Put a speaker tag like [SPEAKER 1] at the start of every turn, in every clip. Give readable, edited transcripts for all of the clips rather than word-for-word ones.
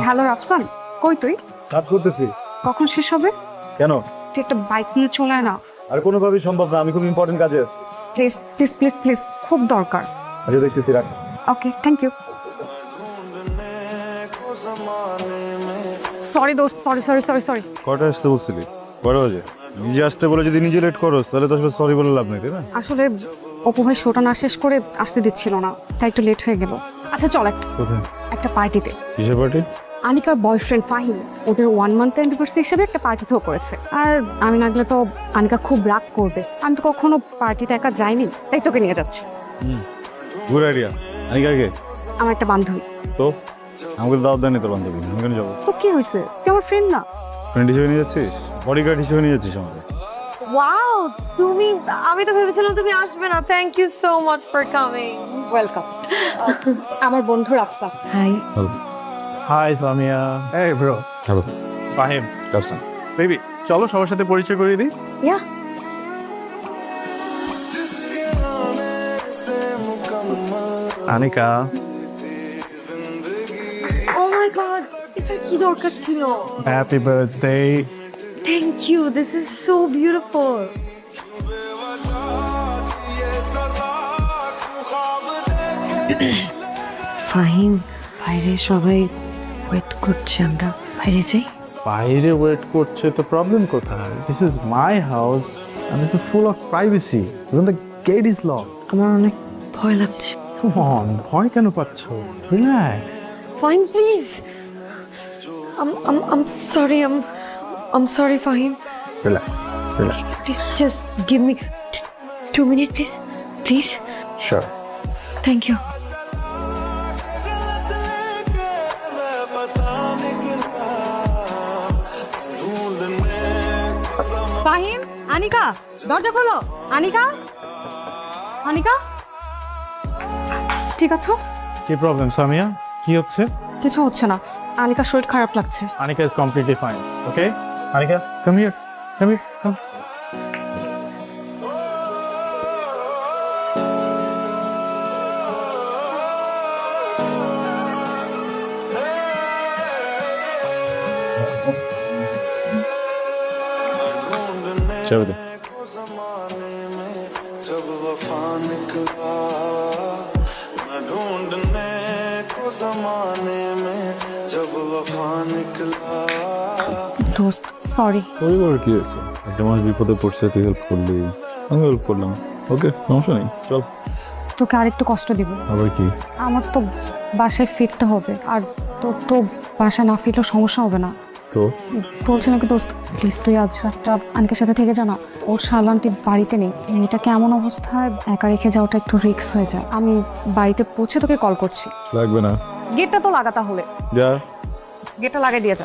[SPEAKER 1] Hello Rafsan, কই তুই?
[SPEAKER 2] কাজ করতেছি।
[SPEAKER 1] কখন শেষ হবে?
[SPEAKER 2] কেন?
[SPEAKER 1] তুই একটা বাইক নিয়ে চলে আয় না।
[SPEAKER 2] আর কোনোভাবেই সম্ভব না, আমি খুব ইম্পর্টেন্ট কাজে আছি।
[SPEAKER 1] প্লিজ প্লিজ প্লিজ প্লিজ, খুব দরকার।
[SPEAKER 2] আচ্ছা দেখতেছি, রাখ।
[SPEAKER 1] Okay, thank you. সরি দোস্ত, সরি সরি সরি সরি।
[SPEAKER 2] কটা আসতে বলছিলি? কটা বাজে? নিজে আসতে বলে যদি নিজে লেট করো তাহলে তো আসলে সরি বলে লাভ নেই, তাই না?
[SPEAKER 1] আসলে অপু ভাই শোটা না শেষ করে আসতে দিচ্ছিল না, তাই একটু লেট হয়ে গেল। আচ্ছা চল
[SPEAKER 2] কোথায়?
[SPEAKER 1] একটা পার্টিতে।
[SPEAKER 2] কিসের পার্টি?
[SPEAKER 1] আনিকার বয়ফ্রেন্ড ফাহিম ওদের 1 মান্থ অ্যানিভার্সারি হিসেবে একটা পার্টি থ্রো করেছে। আর আমি না গেলে তো আনিকা খুব রাগ করবে। আমি তো কখনো পার্টিতে একা যাইনি, তাই তোকে নিয়ে যাচ্ছি।
[SPEAKER 2] Good idea. আমি কাকে?
[SPEAKER 1] আমার একটা বান্ধবী।
[SPEAKER 2] তো আমাকে দাওয়াত দেয়নি তোর বান্ধবী, আমি কেন যাবো?
[SPEAKER 1] তো কি হয়েছে, তুই আমার ফ্রেন্ড না?
[SPEAKER 2] ফ্রেন্ড হিসেবে নিয়ে যাচ্ছিস? বডিগার্ড হিসেবে নিয়ে যাচ্ছিস আমাকে?
[SPEAKER 3] ওয়াও, তুমি, আমি তো ভেবেছিলাম তুমি আসবে না। Thank you so much for coming.
[SPEAKER 1] Welcome. আমার বন্ধু রাফসা।
[SPEAKER 3] হাই।
[SPEAKER 4] হাই সামিয়া। এই bro.
[SPEAKER 2] Hello.
[SPEAKER 4] Fahim.
[SPEAKER 2] Rafsan.
[SPEAKER 4] Baby, চলো সবার সাথে পরিচয় করিয়ে দিই।
[SPEAKER 3] ইয়া।
[SPEAKER 4] আনিকা।
[SPEAKER 3] ও মাই গড, এটা কি দরকার ছিল?
[SPEAKER 4] Happy birthday.
[SPEAKER 3] Thank you, this is so beautiful. Fahim, বাইরে সবাই ওয়েট করছে, আমরা বাইরে যাই।
[SPEAKER 4] বাইরে ওয়েট করছে তো প্রবলেম কোথায়? This is my house and this is full of privacy. Even the gate is lock.
[SPEAKER 3] আমার অনেক ভয় লাগছে।
[SPEAKER 4] কাম অন, ভয় কেন পাচ্ছ? Relax.
[SPEAKER 3] Fahim please. I'm sorry. I'm sorry, Fahim.
[SPEAKER 4] Relax. Relax.
[SPEAKER 3] Please just give me 2 minutes, please. Please.
[SPEAKER 4] Sure.
[SPEAKER 3] Thank you.
[SPEAKER 1] Fahim, Anika, দরজা খোলো। আনিকা, আনিকা, ঠিক আছো?
[SPEAKER 4] কি প্রবলেম সামিয়া? কি হচ্ছে?
[SPEAKER 1] কিছু হচ্ছে না, আনিকার শরীর খারাপ লাগছে।
[SPEAKER 4] Anika is completely fine. Okay? Anika, come here. Come here. Come.
[SPEAKER 2] চাবি দে।
[SPEAKER 5] जब वफा निकला मैं ढूंढने को जमाने में जब वफा निकला
[SPEAKER 1] দোস্ত সরি।
[SPEAKER 2] সরি বলার কি আছে? একটা মানুষ বিপদে পড়ছে, তুই হেল্প করলি, আমি হেল্প করলাম। ওকে, সমস্যা নেই, চল।
[SPEAKER 1] তোকে আরেকটু কষ্ট দিব।
[SPEAKER 2] আবার কি?
[SPEAKER 1] আমার তো বাসায় ফিরতে হবে, আর তোর তো বাসা না ফিরলেও সমস্যা হবে না।
[SPEAKER 2] তো
[SPEAKER 1] বলছি নাকি দোস্ত, প্লিজ তুই আজ রাতটা আনিকার সাথে থেকে জানা। ওর শালান্টি বাড়িতে নেই, মেয়েটাকে এমন অবস্থায় একা রেখে যাওয়াটা একটু রিস্ক হয়ে যায়। আমি বাড়িতে পৌঁছে তোকে কল করছি।
[SPEAKER 2] লাগবে না,
[SPEAKER 1] গেটটা তো লাগা, তাহলে
[SPEAKER 2] যা।
[SPEAKER 1] গেটটা লাগাই দিয়ে যা।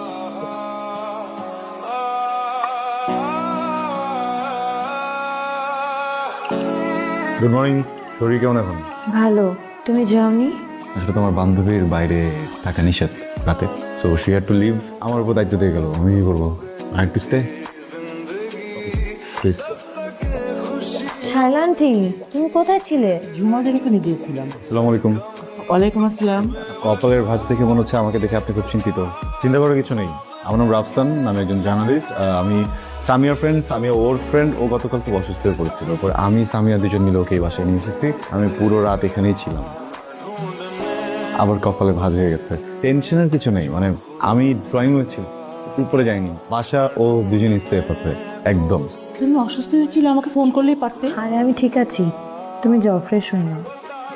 [SPEAKER 2] Good morning. শরীর কেমন এখন?
[SPEAKER 3] ভালো, তুমি যাওনি?
[SPEAKER 6] আসলে তোমার বান্ধবীর বাইরে থাকা নিষেধ রাতে, so she had to leave. আমার উপর দায়িত্ব দিয়ে গেল, আমি কি করবো? I had to stay. Please.
[SPEAKER 3] Shaila aunty, তুমি কোথায় ছিলে?
[SPEAKER 7] জুমাদের ওখানে গিয়েছিলাম।
[SPEAKER 2] আসসালামু আলাইকুম।
[SPEAKER 7] ওয়ালাইকুম আসসালাম।
[SPEAKER 2] কপালের ভাঁজ দেখে মনে হচ্ছে আমাকে দেখে আপনি খুব চিন্তিত। চিন্তা করার কিছু নেই, আমার নাম রাফসান, আমি একজন জার্নালিস্ট। আমি সামিয়ার ফ্রেন্ড, সামিয়া ওর ফ্রেন্ড। ও গতকাল খুব অসুস্থ হয়ে পড়েছিল, পরে আমি সামিয়া দুজন মিলে ওকে এই বাসায় নিয়ে এসেছি। আমি পুরো রাত এখানেই ছিলাম। আবার কপালে ভাঁজ হয়ে গেছে। টেনশনের কিছু নেই, মানে আমি ড্রয়িং রুমে ছিলাম, উপরে যাইনি। বাসা ও দুজনই সেফ আছে একদম।
[SPEAKER 7] তুমি অসুস্থ হয়েছিল, আমাকে ফোন করলেই পারতে।
[SPEAKER 3] আরে আমি ঠিক আছি, তুমি যাও, ফ্রেশ হয়ে নাও।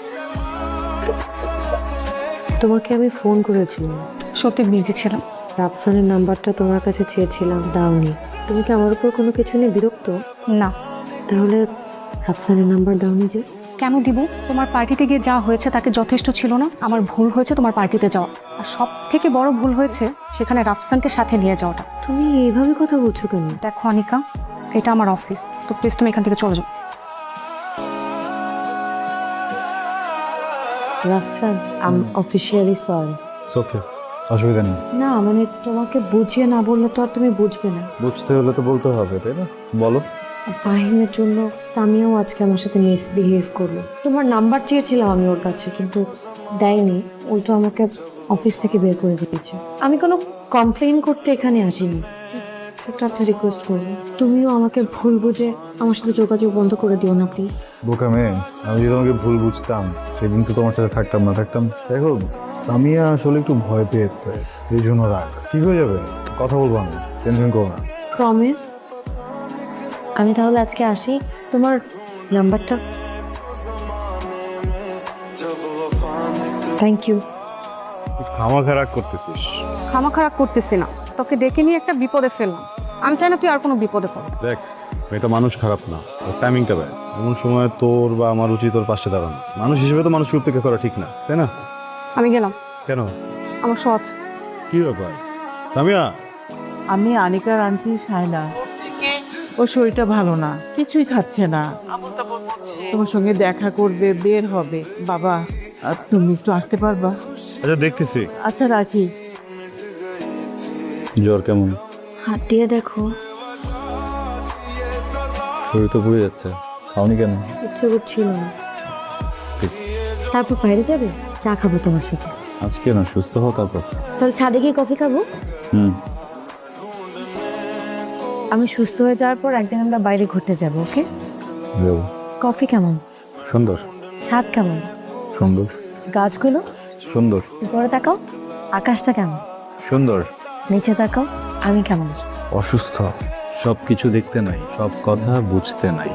[SPEAKER 3] তোমাকে আমি ফোন করেছিলাম,
[SPEAKER 1] সত্যি বিজি ছিলাম।
[SPEAKER 3] রাফসানের নাম্বারটা তোমার কাছে চেয়েছিলাম, দাওনি। তুমি কি আমার উপর কোনো কিছু নিয়ে বিরক্ত?
[SPEAKER 1] না।
[SPEAKER 3] তাহলে রাফসানের নাম্বার দাওনি যে?
[SPEAKER 1] কেন দিব? তোমার পার্টিতে গিয়ে যা হয়েছে তাকে যথেষ্ট ছিল না? আমার ভুল হয়েছে তোমার পার্টিতে যাওয়া, আর সব থেকে বড় ভুল হয়েছে সেখানে রাফসানকে সাথে নিয়ে যাওয়াটা।
[SPEAKER 3] তুমি এইভাবে কথা বলছো কেন?
[SPEAKER 1] দেখো আনিকা, এটা আমার অফিস, তো প্লিজ তুমি এখান থেকে চলে যাও।
[SPEAKER 3] Rafsan, I am officially sorry.
[SPEAKER 2] Okay, অসুবিধা নেই।
[SPEAKER 3] না মানে তোমাকে বুঝিয়ে না বললে তো আর তুমি বুঝবে না।
[SPEAKER 2] বুঝতে হলে তো বলতে হবে, তাই না? বলো।
[SPEAKER 3] আর ফাহিমের জন্য সামিয়াও আজকে আমার সাথে মিসবিহেভ করলো। তোমার নাম্বার চেয়েছিলাম আমি ওর কাছে, কিন্তু দেয়নি। উল্টো আমাকে অফিস থেকে বের করে দিয়েছে। আমি কোনো কমপ্লেন করতে এখানে আসিনি, জাস্ট ছোট্ট একটা রিকোয়েস্ট করবো, তুমিও আমাকে ভুল বুঝে আমার সাথে যোগাযোগ বন্ধ করে দিও না প্লিজ।
[SPEAKER 2] বোকা মেয়ে, আমি যদি তোমাকে ভুল বুঝতাম সেদিন তো তোমার সাথে থাকতাম না। দেখো, সামিয়া আসলে একটু ভয় পেয়েছে, এই জন্য রাগ। ঠিক হয়ে যাবে, কথা বলবো আমি, টেনশন করো না।
[SPEAKER 3] প্রমিস। আমি তাহলে আজকে আসি, তোমার নাম্বারটা। Thank you.
[SPEAKER 2] খামাখা রাগ করতেছিস?
[SPEAKER 1] খামা খারাপ করতেছি না, তোকে ডেকে নিয়ে একটা বিপদে ফেললাম। আমি চাই না তুই আর কোনো বিপদে পড়।
[SPEAKER 2] দেখ, মেয়েটা মানুষ খারাপ না, টাইমিংটা ব্যয়। এমন সময় তোর বা আমার উচিত তোর পাশে দাঁড়ানো। মানুষ হিসেবে তো মানুষকে উপেক্ষা করা ঠিক না, তাই না?
[SPEAKER 1] আমি গেলাম,
[SPEAKER 2] কেন?
[SPEAKER 1] আমার সহজ।
[SPEAKER 2] কি ব্যাপার সামিয়া?
[SPEAKER 7] আমি আনিকার আন্টি শায়লা। ওর শরীরটা ভালো না, কিছুই খাচ্ছে না, তোমার সঙ্গে দেখা করবে, বের হবে। বাবা, আর তুমি একটু আসতে পারবা?
[SPEAKER 2] আচ্ছা, দেখতেছি।
[SPEAKER 7] আচ্ছা, রাখি।
[SPEAKER 2] জ্বর কেমন?
[SPEAKER 3] হাত দিয়ে দেখো।
[SPEAKER 2] শরীর তো পুড়ে যাচ্ছে, খাওনি কেন?
[SPEAKER 3] ইচ্ছে করছিল না। তারপর বাইরে যাবে, চা খাবো তোমার সাথে।
[SPEAKER 2] আজকে না, সুস্থ হও তারপর।
[SPEAKER 3] তাহলে ছাদে গিয়ে কফি খাবো।
[SPEAKER 2] হুম।
[SPEAKER 3] আমি সুস্থ হয়ে যাওয়ার পর একদিন আমরা বাইরে ঘুরতে যাব, ওকে?
[SPEAKER 2] যাবো।
[SPEAKER 3] কফি কেমন?
[SPEAKER 2] সুন্দর।
[SPEAKER 3] ছাদ কেমন?
[SPEAKER 2] সুন্দর।
[SPEAKER 3] গাছগুলো?
[SPEAKER 2] সুন্দর।
[SPEAKER 3] উপরে তাকাও, আকাশটা কেমন?
[SPEAKER 2] সুন্দর।
[SPEAKER 3] নিচে তাকাও, আমি কেমন?
[SPEAKER 2] অসুস্থ, সব কিছু দেখতে নাই, সব কথা বুঝতে নাই।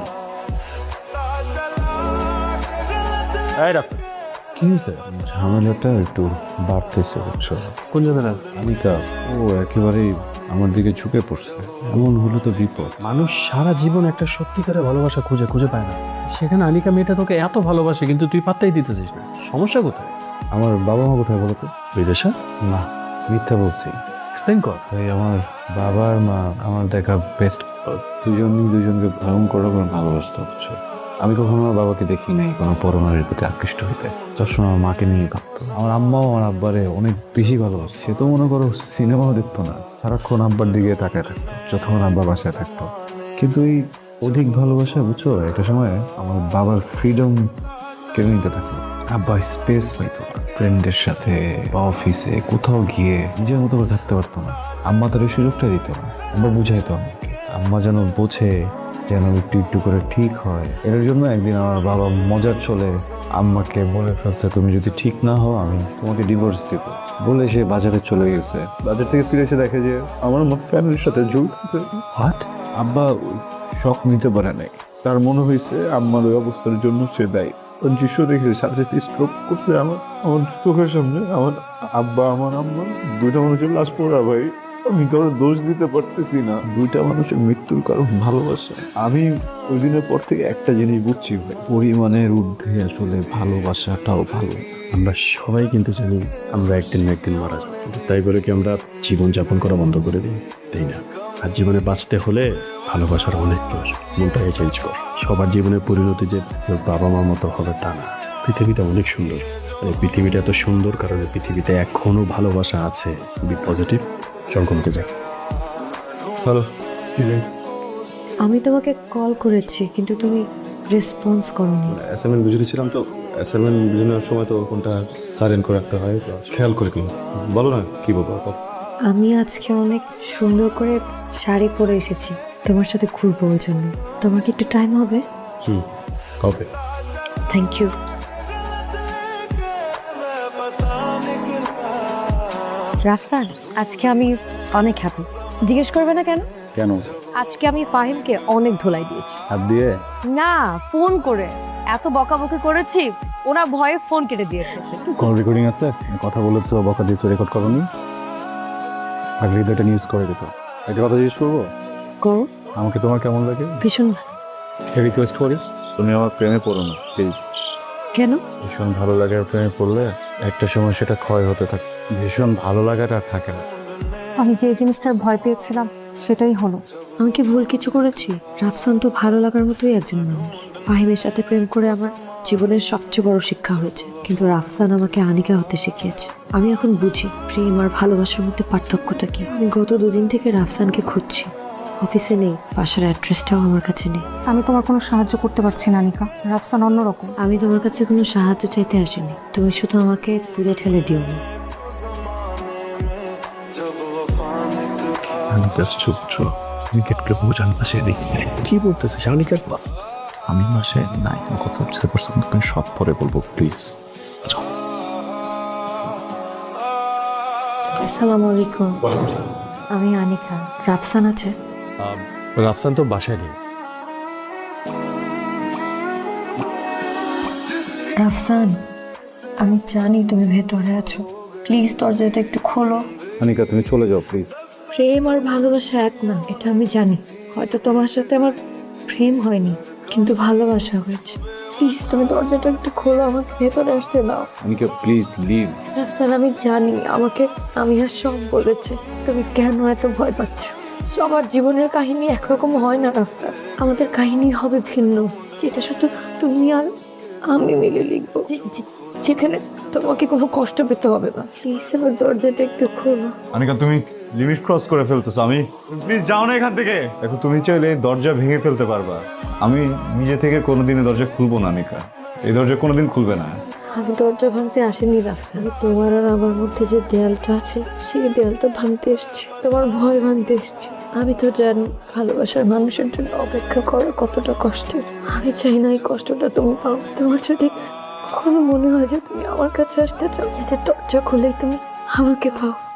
[SPEAKER 2] কি হয়েছে? ঝামেলাটা একটু বাড়তেছে, বুঝছো?
[SPEAKER 4] কোন ঝামেলা?
[SPEAKER 2] আনিকা, ও একেবারেই আমার দিকে ঝুঁকে পড়ছে। এমন হলো তো বিপদ।
[SPEAKER 4] মানুষ সারা জীবন একটা সত্যিকারের ভালোবাসা খুঁজে পায় না, সেখানে আনিকা মেয়েটা তোকে এত ভালোবাসে কিন্তু তুই পাত্তাই দিতেছিস না। সমস্যা কোথায়?
[SPEAKER 2] আমার বাবা মা কোথায় বলো তো?
[SPEAKER 4] বিদেশে?
[SPEAKER 2] না, মিথ্যা বলছি।
[SPEAKER 4] এক্সপ্লেইন কর।
[SPEAKER 2] এই আমার বাবা আর মা আমার দেখা বেস্ট, দুজনই দুজনকে ভয়ঙ্কর রকম ভালোবাসতে হচ্ছে। আমি কখনো আমার বাবাকে দেখি নাই কোনো পরনারীর প্রতি আকৃষ্ট হইতে। সবসময় আমার মাকে নিয়ে ভাবতো। আমার আম্মাও আমার আব্বারে অনেক বেশি ভালোবাসে। সে তো মনে করো সিনেমাও দেখতো না, সারাক্ষণ আব্বার দিকে তাকায় থাকতো যতক্ষণ আব্বা বাসায় থাকতো। কিন্তু এই অধিক ভালোবাসা, বুঝছো, একটা সময় আমার বাবার ফ্রিডম কেড়ে নিতে থাকলো। আব্বা স্পেস পাইতো না, ফ্রেন্ডের সাথে বা অফিসে কোথাও গিয়ে নিজের মতো করে থাকতে পারতো না। আম্মা তার এই সুযোগটা দিত না। আব্বা বুঝাইতো আমাকে, আম্মা যেন বোঝে, যেন একটু একটু করে ঠিক হয়। এর জন্য একদিন আমার বাবা মজার চলে আম্মাকে বলে ফেলছে, তুমি যদি ঠিক না হও আমি তোমাকে ডিভোর্স দিব। বলে সে বাজারে চলে গেছে। বাজার থেকে ফিরে এসে দেখে যে আমার ফ্যামিলির সাথে ঝুলতেছে।
[SPEAKER 4] হোয়াট?
[SPEAKER 2] আব্বা শখ নিতে পারে নাই, তার মনে হয়েছে আম্মার ওই অবস্থার জন্য সে দায়ী। ওর দৃশ্য দেখেছে, সাথে সাথে স্ট্রোক করছে আমার চোখের সামনে। আমার আব্বা, আমার আম্মা, দুইটা মানুষের লাশ পড়া। ভাই, আমি কারো দোষ দিতে পারতেছি না। দুইটা মানুষের মৃত্যুর কারণ ভালোবাসা। আমি ওই দিনের পর থেকে একটা জিনিস বুঝছি ভাই, পরিমাণের ঊর্ধ্বে আসলে ভালোবাসাটাও ভালো।
[SPEAKER 8] আমরা সবাই কিন্তু জানি আমরা একদিন না একদিন মারা যাবো, তাই বলে কি আমরা জীবনযাপন করা বন্ধ করে দিই? তাই না? আর জীবনে বাঁচতে হলে ভালোবাসার অনেক প্রয়োজন। মনটাকে চেঞ্জ কর। সবার জীবনের পরিণতি যে তোর বাবা মার মতো হবে তা না। পৃথিবীটা অনেক সুন্দর। এই পৃথিবীটা এত সুন্দর কারণে পৃথিবীতে এখনো ভালোবাসা আছে। বি পজিটিভ, চল কমতে যাই।
[SPEAKER 2] হ্যালো,
[SPEAKER 3] আমি তোমাকে কল করেছি কিন্তু তুমি রেসপন্স করোনি।
[SPEAKER 8] অ্যাসাইনমেন্ট বুঝেছিলাম তো, অ্যাসাইনমেন্ট বুঝানোর সময় তো কোনটা সাইলেন্ট করে রাখতে হয়, তো খেয়াল করে কি বলো না, কি বলবো?
[SPEAKER 3] আমি আজকে অনেক সুন্দর করে শাড়ি পরে এসেছি তোমার সাথে ঘুরবো, ওই জন্য। তোমার কি একটু টাইম হবে?
[SPEAKER 8] কবে?
[SPEAKER 3] Thank you. রাফসান, আজকে আমি অনেক হ্যাপি। জিজ্ঞেস করবে না কেন?
[SPEAKER 2] কেন?
[SPEAKER 3] আজকে আমি ফাহিমকে অনেক ধোলাই দিয়েছি।
[SPEAKER 2] হাত দিয়ে?
[SPEAKER 3] না, ফোন করে এত বকাবকি করেছি, ওরা ভয়ে ফোন কেটে দিয়েছে।
[SPEAKER 2] কোন রেকর্ডিং আছে? কথা বলেছো, বকা দিয়েছো, রেকর্ড করোনি? আগে এটা নিউজ করে দিত। একটা কথা জিজ্ঞেস করবো?
[SPEAKER 3] করো।
[SPEAKER 2] আমাকে তোমার কেমন লাগে?
[SPEAKER 3] ভীষণ ভালো।
[SPEAKER 2] রিকোয়েস্ট করি, তুমি আমার প্রেমে পড়ো না প্লিজ।
[SPEAKER 3] কেন?
[SPEAKER 2] ভীষণ ভালো লাগার প্রেমে পড়লে একটা সময় সেটা ক্ষয় হতে থাকে। ভীষণ ভালো লাগাটা আর থাকে না।
[SPEAKER 1] আমি যে জিনিসটার ভয় পেয়েছিলাম সেটাই হলো।
[SPEAKER 3] আমি কি ভুল কিছু করেছি? রাফসান তো ভালো লাগার মতোই একজন মানুষ। ফাহিমের সাথে প্রেম করে আমার জীবনের সবচেয়ে বড় শিক্ষা হয়েছে, কিন্তু রাফসান আমাকে আনিকা হতে শিখিয়েছে। আমি এখন বুঝি প্রেম আর ভালোবাসার মধ্যে পার্থক্যটা কি। আমি গত 2 দিন থেকে রাফসানকে খুঁজছি। অফিসে নেই, বাসার অ্যাড্রেসটাও আমার কাছে নেই।
[SPEAKER 1] আমি তোমার কোনো সাহায্য করতে পারছি না আনিকা। রাফসান অন্যরকম।
[SPEAKER 3] আমি তোমার কাছে কোনো সাহায্য চাইতে আসিনি, তুমি শুধু আমাকে দূরে ঠেলে দিও না।
[SPEAKER 8] জাস্ট চুপ ছো তুমি গেটকে বোঝান পাশে দিই কি বলতেছিস আনিকা বাস
[SPEAKER 2] আমি মাসে নাই কথা হচ্ছে সব পরে বলবো প্লিজ।
[SPEAKER 3] আসসালামু আলাইকুম। আমি আনিকা। রাফসান আছে?
[SPEAKER 8] রাফসান তো বাসায় নেই।
[SPEAKER 3] রাফসান, আমি জানি তুমি ভেতরে আছো, প্লিজ দরজাটা একটু খোলো।
[SPEAKER 2] আনিকা তুমি চলে যাও প্লিজ।
[SPEAKER 3] প্রেম আর ভালোবাসা এক না, এটা আমি জানি। হয়তো তোমার সাথে আমার প্রেম হয়নি, কিন্তু ভালোবাসা হয়েছে। প্লিজ তুমি দরজাটা একটু খোলো, আমাকে ভেতরে আসতে দাও।
[SPEAKER 2] Anika please leave.
[SPEAKER 3] রাফসান, আমি জানি আমাকে আমি আর সব বলেছে, তুমি কেন এত ভয় পাচ্ছ? সবার জীবনের কাহিনী একরকম হয় না রাফসান, আমাদের কাহিনী হবে ভিন্ন, যেটা শুধু তুমি আর আমি মিলে লিখবো, যেখানে তোমাকে কোনো কষ্ট পেতে হবে না। প্লিজ আমার দরজাটা একটু খোলো।
[SPEAKER 2] আনিকা তুমি লিমিট ক্রস করে ফেলতেছো। আমি প্লিজ যাও না এখান থেকে। দেখো তুমি চাইলে দরজা ভেঙে ফেলতে পারবা, আমি নিজে থেকে কোনোদিনই দরজা খুলবো না আনিকা, এই দরজা কোনোদিন খুলবে না।
[SPEAKER 3] আমি দরজা ভাঙতে আসিনি রাফসান, তোমার আর আমার মধ্যে যে দেয়ালটা আছে সেই দেয়ালটা ভাঙতে এসছি, তোমার ভয় ভাঙতে এসছি। আমি তো জানি ভালোবাসার মানুষের জন্য অপেক্ষা করা কতটা কষ্টের। আমি চাই না এই কষ্টটা তুমি পাও। তোমার যদি কখনো মনে হয় যে তুমি আমার কাছে আসতে চাও, যাতে দরজা খুলেই তুমি আমাকে পাও,